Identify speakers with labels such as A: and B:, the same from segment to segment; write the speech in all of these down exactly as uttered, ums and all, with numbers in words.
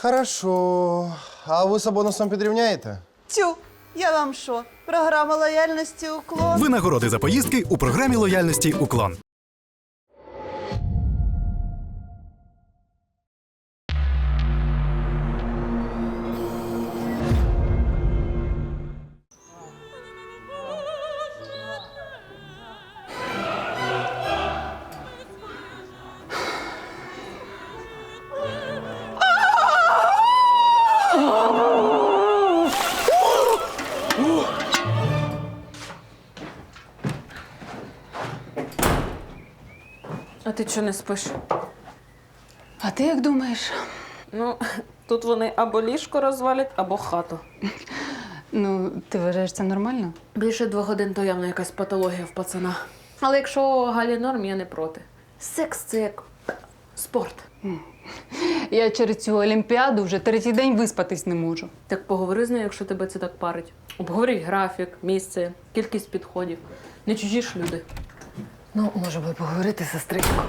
A: Хорошо. А ви з бонусом підрівняєте?
B: Тю, я вам що? Програма лояльності «Уклон».
C: Винагороди за поїздки у програмі лояльності «Уклон».
D: А ти чого не спиш?
E: А ти як думаєш?
D: Ну, тут вони або ліжко розвалять, або хату.
E: Ну, ти вважаєш це нормально?
D: Більше двох годин то явно якась патологія в пацана. Але якщо Галі норм, я не проти. Секс – це як спорт.
E: Я через цю олімпіаду вже третій день виспатись не можу.
D: Так поговори з нею, якщо тебе це так парить. Обговоріть графік, місце, кількість підходів. Не чужі ж люди.
F: Ну, може би поговорити, сестричко.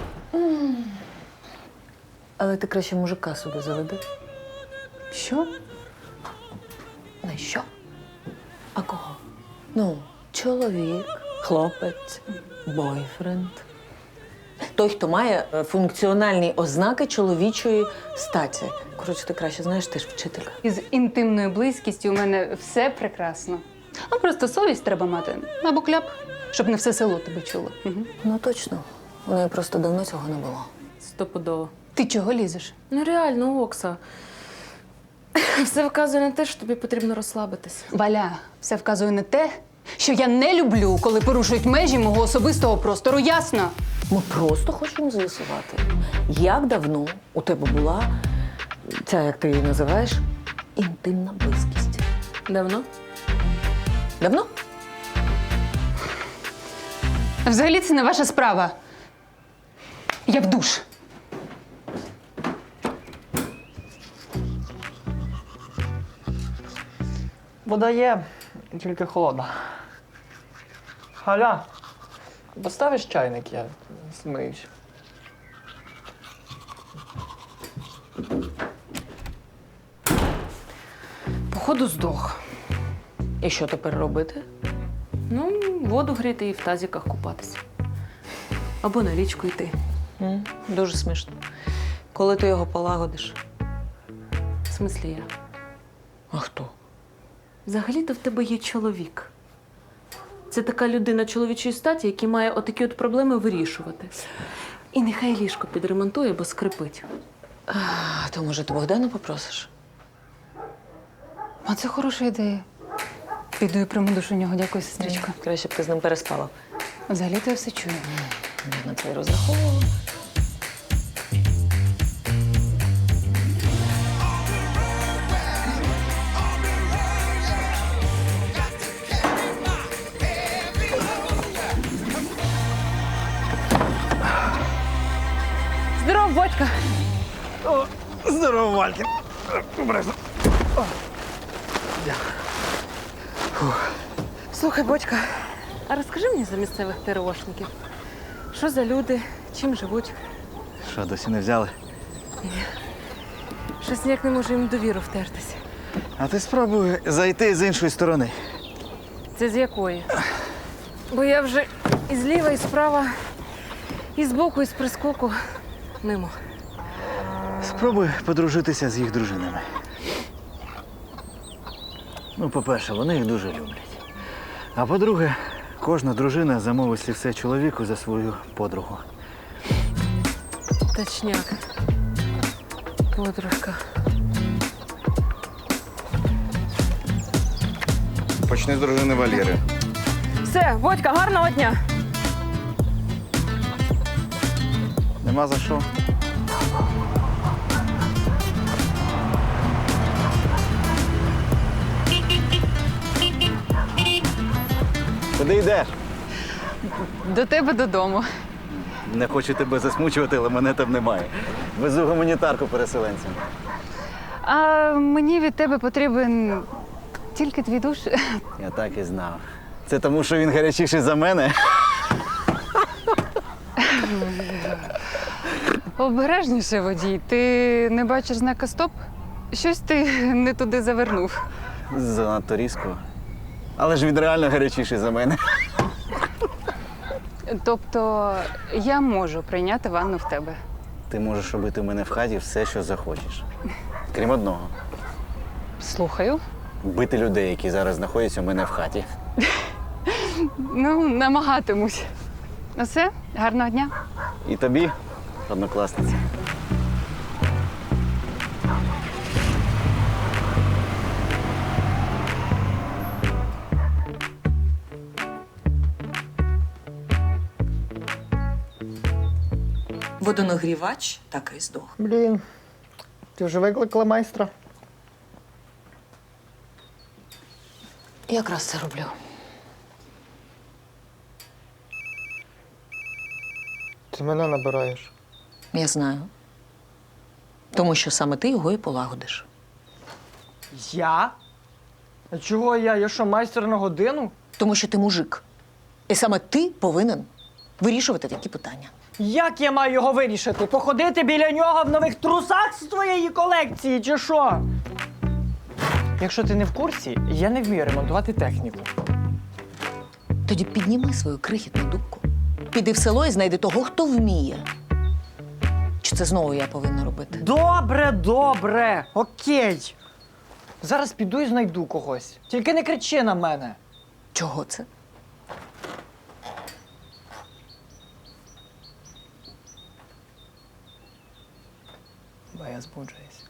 F: Але ти краще мужика собі заведи.
E: Що?
F: Не що? А кого? Ну, чоловік, хлопець, бойфренд. Той, хто має е, функціональні ознаки чоловічої статі. Коротше, ти краще знаєш, ти ж вчителька.
E: Із інтимною близькістю у мене все прекрасно. А просто совість треба мати. Або кляп, щоб не все село тебе чуло. Угу.
F: Ну, точно. У неї просто давно цього не було.
D: Стопудово.
E: Ти чого лізеш?
D: Ну реально, Окса. Все вказує на те, що тобі потрібно розслабитись.
E: Валя, все вказує на те, що я не люблю, коли порушують межі мого особистого простору, ясно?
F: Ми просто хочемо з'ясувати, як давно у тебе була ця, як ти її називаєш, інтимна близькість.
D: Давно?
F: Давно?
E: Взагалі це не ваша справа. Я в душ.
G: Вода є, тільки холодна. Галя, поставиш чайник, я змиюсь.
D: Походу здох.
F: І що тепер робити?
D: Ну, воду гріти і в тазіках купатися. Або на річку йти.
F: М, Дуже смішно. Коли ти його полагодиш?
D: В смислі я.
F: А хто?
D: Взагалі-то в тебе є чоловік. Це така людина чоловічої статі, який має отакі от проблеми вирішувати. І нехай ліжко підремонтує, бо скрипить.
F: А, то, може, ти Богдана попросиш?
E: А це хороша ідея. Піду і прийму душ у нього. Дякую, сестричко.
F: Краще б ти з ним переспала.
E: Взагалі-то я все чую.
F: Я на це й розраховувала.
E: Здоров, Бодька!
G: Здорово, Валькін.
D: Слухай, Бодька, а розкажи мені за місцевих ТРОшників. Що за люди, чим живуть?
H: Що, досі не взяли?
D: Щось ніяк не можу їм довіру втертися.
H: А ти спробуй зайти з іншої сторони.
D: Це з якої? Бо я вже і зліва, і справа, і збоку, і з прискоку мимо.
H: Спробуй подружитися з їх дружинами. Ну, по-перше, вони їх дуже люблять. А по-друге, кожна дружина замовить слівце чоловіку за свою подругу.
D: Точняк. Подружка.
A: Почни з дружини Валєри.
D: Все, Бодька, гарного дня!
H: Нема за що. Куди йдеш?
E: До тебе додому.
H: Не хочу тебе засмучувати, але мене там немає. Везу гуманітарку переселенцям.
E: А мені від тебе потрібен тільки твій душ.
H: Я так і знав. Це тому, що він гарячіший за мене?
E: Обережніше, водій. Ти не бачиш знака «Стоп»? Щось ти не туди завернув.
H: Занадто різко. Але ж він реально гарячіший за мене.
E: Тобто я можу прийняти ванну в тебе.
H: Ти можеш робити в мене в хаті все, що захочеш. Крім одного.
E: Слухаю.
H: Бити людей, які зараз знаходяться у мене в хаті.
E: Ну, намагатимусь. Ну все, гарного дня.
H: І тобі, однокласниця.
F: Водонагрівач так і здох.
G: Блін, ти вже викликала майстра?
F: Якраз це роблю.
G: Ти мене набираєш.
F: Я знаю. Тому що саме ти його і полагодиш.
G: Я? А чого я? Я що, майстер на годину?
F: Тому що ти мужик. І саме ти повинен вирішувати такі питання.
G: Як я маю його вирішити? Походити біля нього в нових трусах з твоєї колекції, чи що? Якщо ти не в курсі, я не вмію ремонтувати техніку.
F: Тоді підніми свою крихітну дубку. Піди в село і знайди того, хто вміє. Чи це знову я повинна робити?
G: Добре, добре, окей. Зараз піду і знайду когось. Тільки не кричи на мене.
F: Чого це?
G: Бо я збуджуюсь.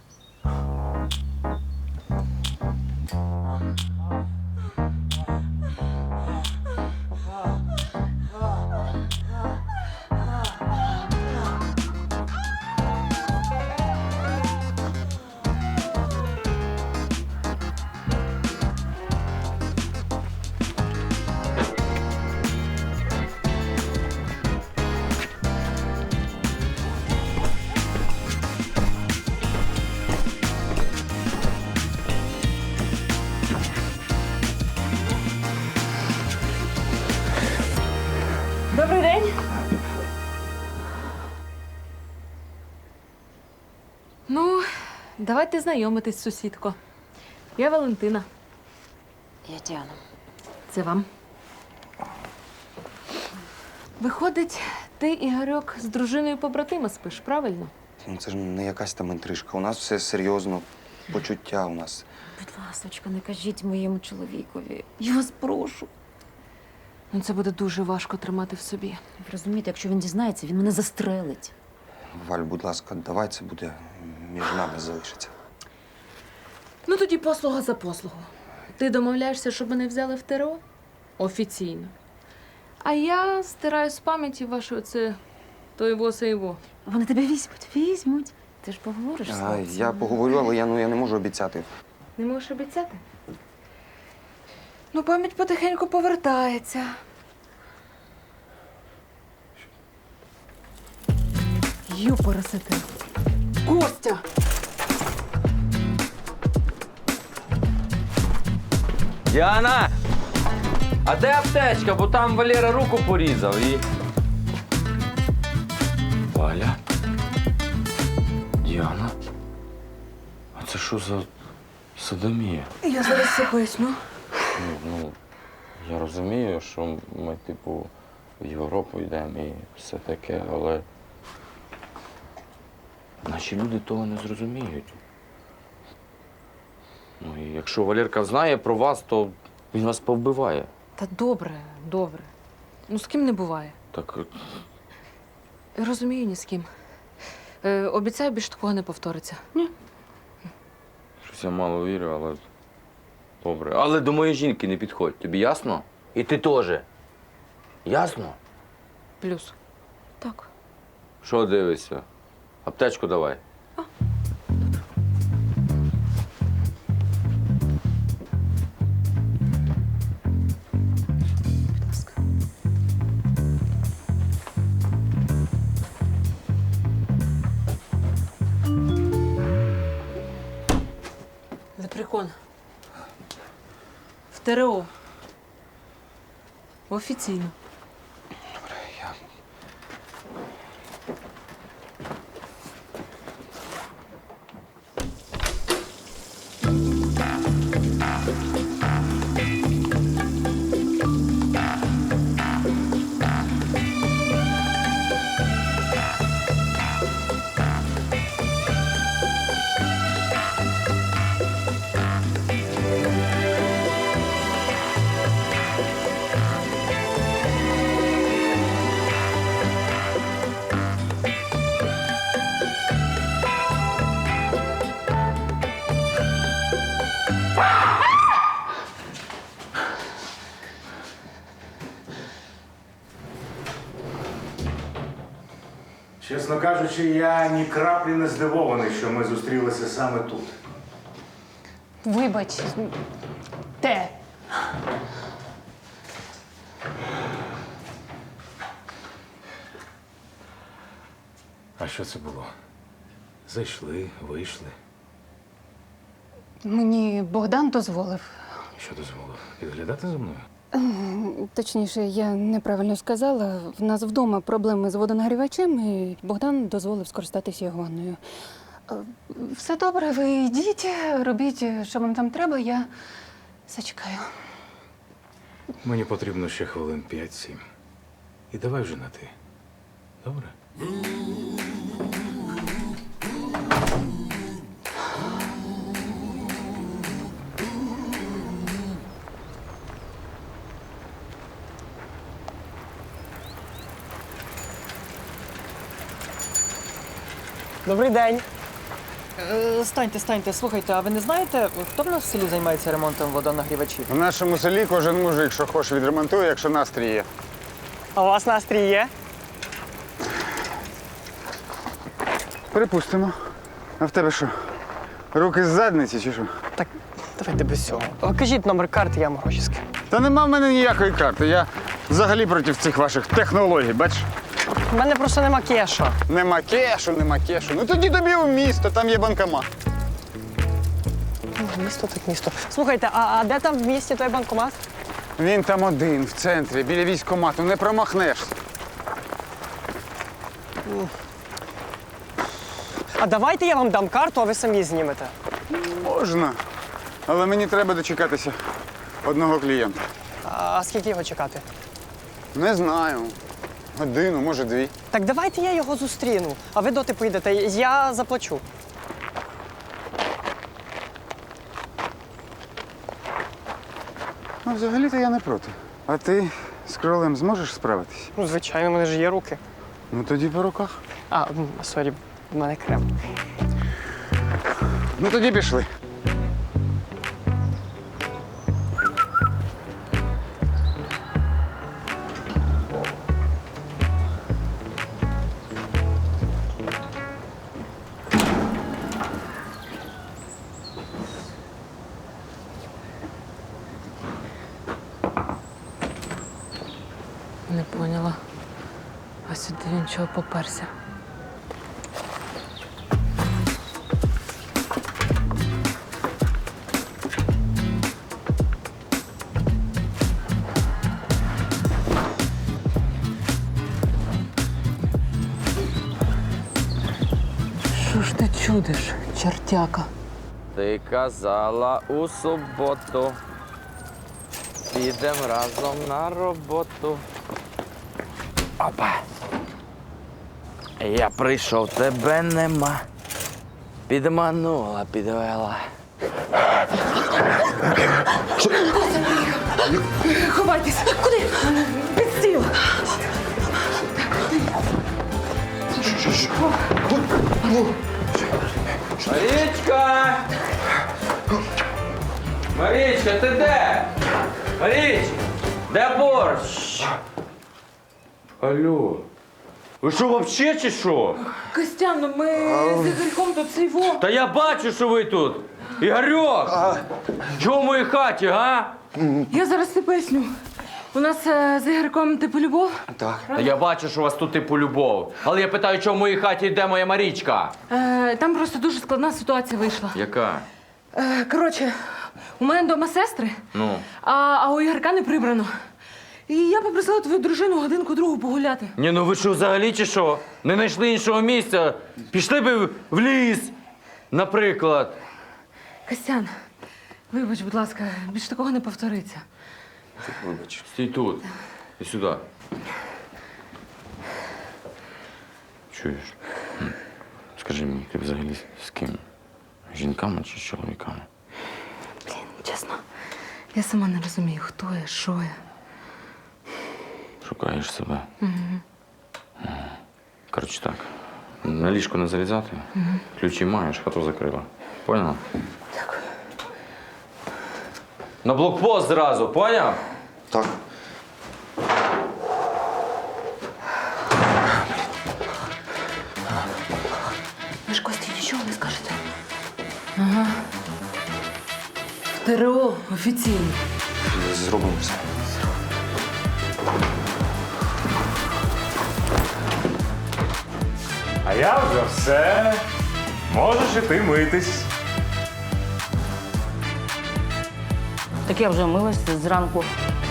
D: Добрий день. Ну, давайте знайомитись, сусідко. Я Валентина.
E: Я Діана.
D: Це вам. Виходить, ти, Ігорьок, з дружиною побратима спиш, правильно?
A: Ну, це ж не якась там інтрижка. У нас все серйозно. Почуття у нас.
I: Будь ласочка, не кажіть моєму чоловікові. Я вас прошу.
D: Ну, це буде дуже важко тримати в собі.
I: Ви розумієте, якщо він дізнається, він мене застрелить.
A: Валь, будь ласка, давай це буде між нами залишиться.
D: Ну, тоді послуга за послугу. Ти домовляєшся, щоб мене взяли в ТРО? Офіційно. А я стираю з пам'яті ваше оце то його, се його.
I: Вони тебе візьмуть, візьмуть. Ти ж поговориш з
A: А,
I: хлопцем.
A: я поговорю, але я, ну, я не можу обіцяти.
D: Не можеш обіцяти? Ну, пам'ять потихеньку повертається. Юпоросити. Костя!
J: Діана! А де аптечка? Бо там Валера руку порізав і. Валя? Діана? А це що за садомія?
D: Я зараз все поясню.
J: Ну, ну, я розумію, що ми, типу, в Європу йдемо і все таке, але наші люди того не зрозуміють. Ну, і якщо Валерка знає про вас, то він вас повбиває.
D: Та добре, добре. Ну, з ким не буває.
J: Так
D: Розумію, ні з ким. Е, обіцяю, більше такого не повториться. Ні.
J: щось я мало вірю, але добре. Але до моєї жінки не підходь, тобі ясно? І ти теж. Ясно?
D: Плюс. Так.
J: Що дивишся? Аптечку давай.
D: Будь ласка. Лепрекон. В ТРО. Офіційно.
A: Я...
K: кажучи, я ні краплі не здивований, що ми зустрілися саме тут.
E: Вибач, те.
K: А що це було? Зайшли, вийшли.
E: Мені Богдан дозволив.
K: Що дозволив? Підглядати за мною?
E: Точніше, я неправильно сказала. В нас вдома проблеми з водонагрівачем, і Богдан дозволив скористатися його ванною. Е, Все добре, ви йдіть, робіть, що вам там треба, я зачекаю.
K: Мені потрібно ще хвилин п'ять-сім. І давай вже на ти. Добре?
G: Добрий день. Е, станьте, станьте, слухайте, а ви не знаєте, хто в нас в селі займається ремонтом водонагрівачів?
L: В нашому селі кожен мужик, що хоче, відремонтує, якщо настрій є.
G: А у вас настрій є?
L: Припустимо. А в тебе що? Руки з задниці чи що?
G: Так, давайте без цього. А кажіть номер карти, я вам гроші скину.
L: Та нема в мене ніякої карти. Я взагалі проти цих ваших технологій, бачиш?
G: У мене просто нема кеша.
L: Нема кешу, нема кешу. Ну тоді тобі в місто, там є банкомат.
G: Ну, місто так місто. Слухайте, а, а де там в місті той банкомат?
L: Він там один, в центрі, біля військкомату, не промахнешся.
G: А давайте я вам дам карту, а ви самі знімете.
L: Можна. Але мені треба дочекатися одного клієнта.
G: А скільки його чекати?
L: Не знаю. Годину, може, дві.
G: Так давайте я його зустріну, а ви доти поїдете, я заплачу.
L: Ну, взагалі-то я не проти. А ти з кролем зможеш справитись?
G: Ну, звичайно, в мене ж є руки.
L: Ну тоді по руках.
G: А, м, сорі, в мене крем.
L: Ну тоді пішли.
D: Не поняла. А сюди він чого поперся? Що ж ти чудиш, чертяка?
J: Ти казала у суботу. Підем разом на роботу. Опа. Я прийшов, тебе нема. Підманула, підвела.
D: Ховайтесь! Куди? Під стіл!
J: Марічка! Марічка, ти де? Маріч! Де борщ? Алло. Ви що, вообще чи що?
D: Костян, ну ми з Ігорьком тут цей во.
J: Та я бачу, що ви тут. Ігорьок! Чого в моїй хаті, га?
D: Я зараз ти поясню. У нас е, з Ігорьком типу любов.
A: Так.
J: Та я бачу, що у вас тут типу любов. Але я питаю, чого в моїй хаті йде моя Марічка?
D: Е, там просто дуже складна ситуація вийшла.
J: Яка?
D: Е, коротше, у мене вдома сестри,
J: Ну.
D: а, а у Ігорка не прибрано. І я попросила твою дружину годинку другу погуляти.
J: Ні, ну ви що, взагалі чи що? Не знайшли іншого місця? Пішли би в ліс, наприклад.
D: Костян, вибач, будь ласка, більш такого не повториться.
A: Вибач.
J: Стій тут. І сюди. Чуєш? М. Скажи мені, ти взагалі з ким? З жінками чи з чоловіками?
D: Блін, чесно, я сама не розумію, хто я, що я.
J: Шукаєш себе. Угу. Коротше так. На ліжко не залізати. Угу. Ключі маєш, хату закрила. Поняла?
D: Дякую.
J: На блокпост зразу, поняв?
A: Так.
D: Ага. В ТРО офіційно.
A: Зробимо все.
K: А я вже все. Можеш іти митись.
F: Так я вже милася зранку.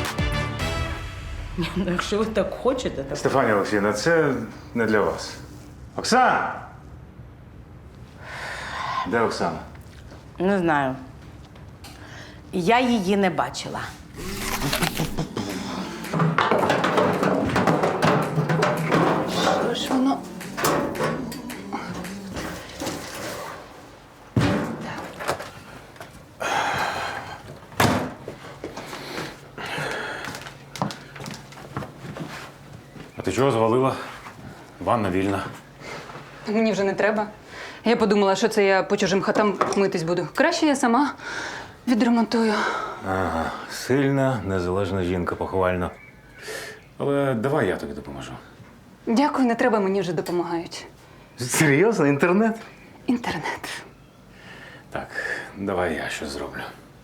F: Ну, якщо ви так хочете, так.
K: Стефанія Олексіївна, це не для вас. Оксана! Де Оксана?
F: Не знаю. Я її не бачила.
E: Що ж воно?
K: А ти чого звалила? Ванна вільна.
E: Мені вже не треба. Я подумала, що це я по чужим хатам митись буду. Краще я сама відремонтую.
K: Ага, сильна, незалежна жінка, похвально. Але давай я тобі допоможу.
E: Дякую, не треба, мені вже допомагають.
K: Серйозно? Інтернет?
E: Інтернет.
K: Так, давай я щось зроблю.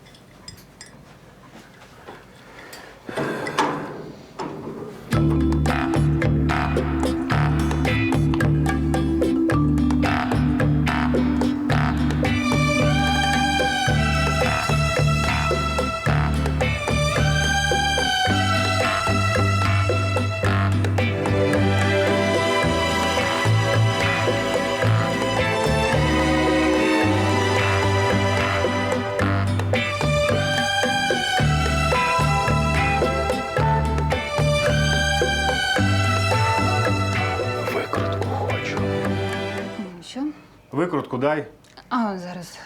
K: Викрутку хочу.
E: Що?
K: Викрутку дай.
E: А, зараз.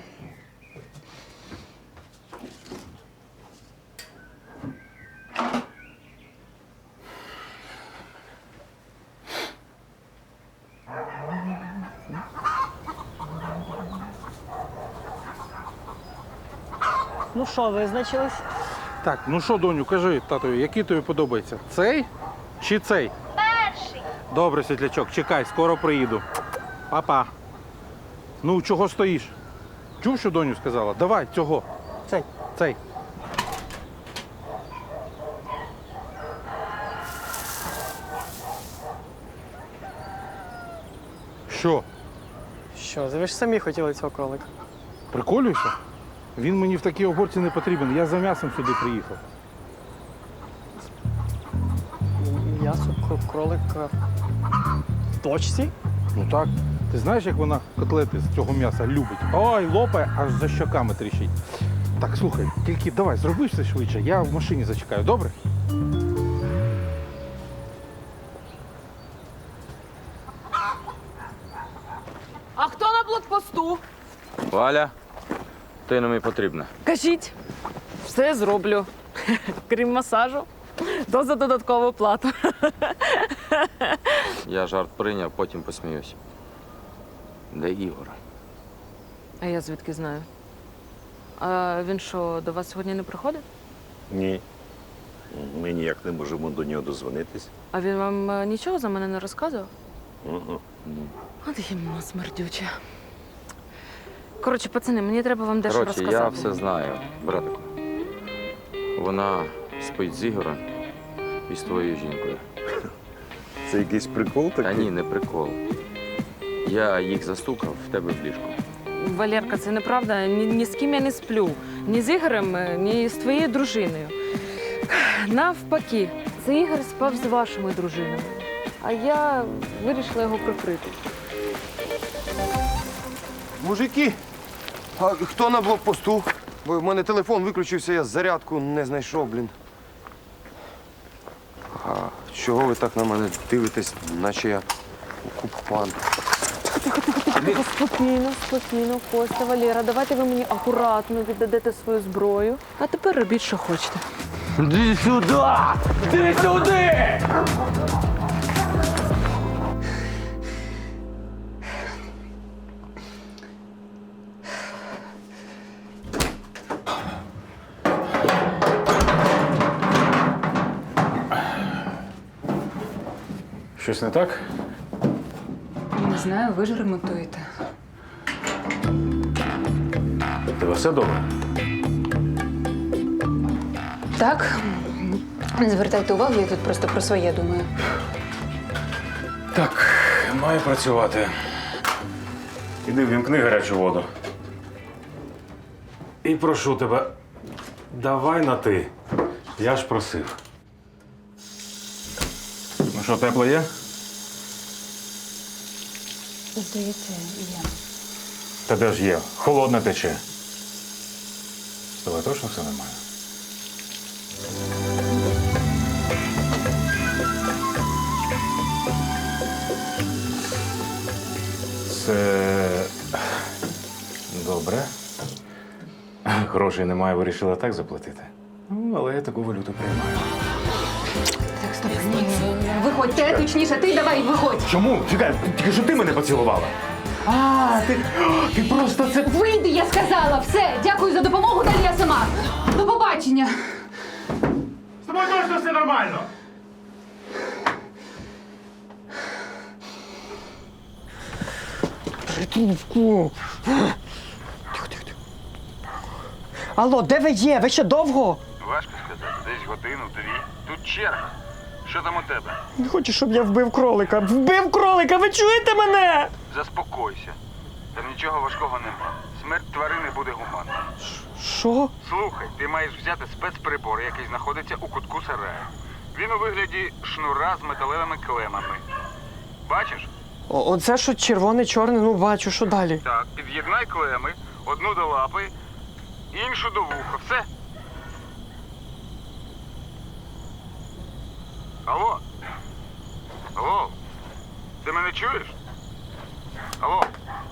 G: Ну що, визначились?
L: Так, ну що, доню, кажи татові, який тобі подобається? Цей чи цей?
M: Перший.
L: Добре, світлячок, чекай, скоро приїду. Папа. Ну, чого стоїш? Чув, що доню сказала? Давай, цього.
G: Цей.
L: Цей. Що?
G: Що, ви ж самі хотіли цього кролика.
L: Приколюєшся? Він мені в такій огорці не потрібен. Я за м'ясом сюди приїхав.
G: М'ясо кро- кролика в точці?
L: Ну так. Ти знаєш, як вона котлети з цього м'яса любить? Ой, лопає, аж за щоками тріщить. Так, слухай, тільки давай, зроби все швидше, я в машині зачекаю, добре?
D: А хто на блокпосту?
J: Валя, ти нам і потрібна.
D: Кажіть, все зроблю. Крім масажу, то за додаткову плату.
J: Я жарт прийняв, потім посміюсь. Де Ігор?
D: А я звідки знаю? А він що, до вас сьогодні не приходить?
N: Ні. Ми ніяк не можемо до нього дозвонитись.
D: А він вам е, нічого за мене не розказував?
N: Угу.
D: От їм смердюче. Коротше, пацани, мені треба вам дещо
J: Коротше,
D: розказати.
J: я все знаю, братику. Вона спить з Ігорем і з твоєю жінкою.
N: Це якийсь прикол такий?
J: Та ні, не прикол. Я їх застукав в тебе в ліжку.
D: Валерка, це неправда. Ні, ні з ким я не сплю. Ні з Ігорем, ні з твоєю дружиною. Навпаки, це Ігор спав з вашими дружинами. А я вирішила його прикрити.
A: Мужики, а хто на блокпосту? Бо в мене телефон виключився, я зарядку не знайшов, блін. А чого ви так на мене дивитесь, наче я окупант?
D: Спокійно, спокійно, Костя, Валера, давайте ви мені акуратно віддадете свою зброю. А тепер робіть, що хочете.
J: Іди сюди! Іди сюди!
K: Щось не так?
E: Не знаю, ви ж ремонтуєте.
K: Тебе все добре?
E: Так, не звертайте увагу, я тут просто про своє думаю.
K: Так, маю працювати. Іди ввімкни гарячу воду. І прошу тебе, давай на ти. Я ж просив. Ну що, тепло є?
E: Здається, я.
K: Та де ж є? Холодне тече. З тобою точно все нормально? Це добре. Грошей немає, вирішила так заплатити. Ну, але я таку валюту приймаю.
E: Так, стоп, ні. Виходьте, точніше, ти давай, виходь.
K: Чому? Чекай, тільки що ти мене поцілувала. А, ти, ти просто це...
E: Вийди, я сказала, все, дякую за допомогу, далі я сама. До побачення.
K: З тобою точно все нормально.
G: Трубку. Алло, де ви є? Ви ще довго?
M: Важко сказати, десь годину-дві. Тут черга. Що там у тебе?
G: Не хочу, щоб я вбив кролика. Вбив кролика, ви чуєте мене?
M: Заспокойся. Там нічого важкого нема. Смерть тварини буде гуманна.
G: Що?
M: Слухай, ти маєш взяти спецприбор, який знаходиться у кутку сараю. Він у вигляді шнура з металевими клемами. Бачиш?
G: О, оце що червоне-чорне, ну бачу, що далі?
M: Так, під'єднай клеми, одну до лапи, іншу до вуха. Все. Алло? Алло? Ти мене чуєш? Алло?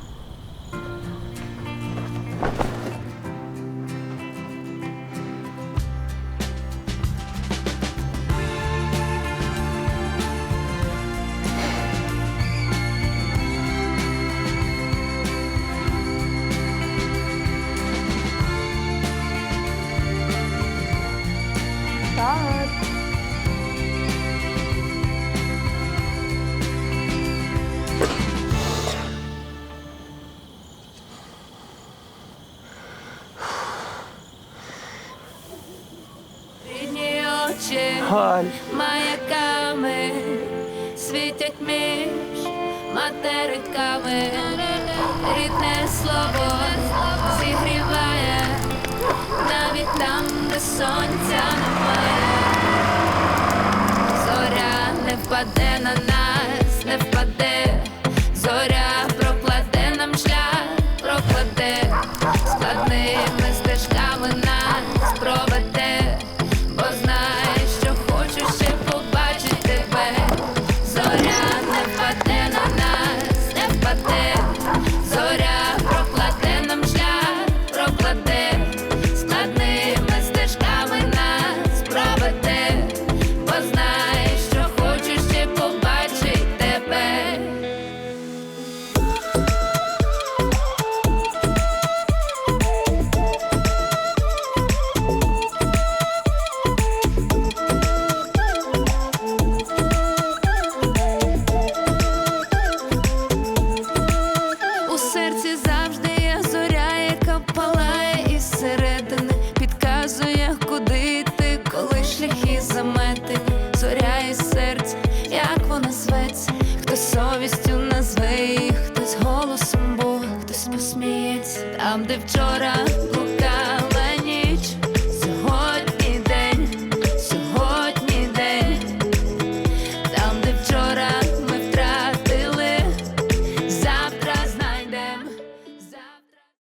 G: Галь.
O: Маяками світять між материками. Рідне слово зігріває навіть там, де сонця немає. Зоря не впаде на нас, не впаде. Зоря прокладе нам шлях, прокладе. Складними стежками нас проведе. Бо знає, що хочу ще побачити тебе. Зоря не впаде на нас, не впаде. Зоря прокладе нам шлях, прокладе. Складними стежками нас проведе. Бо знає, що хочу ще побачити тебе. У серці завжди є зоря, яка палає із середини, підказує, куди йти, коли шляхи заметені. Зоря із серця, як вона зветься, хтось совістю назве її, хтось голосом Бога, хтось посміється. Там, де вчора був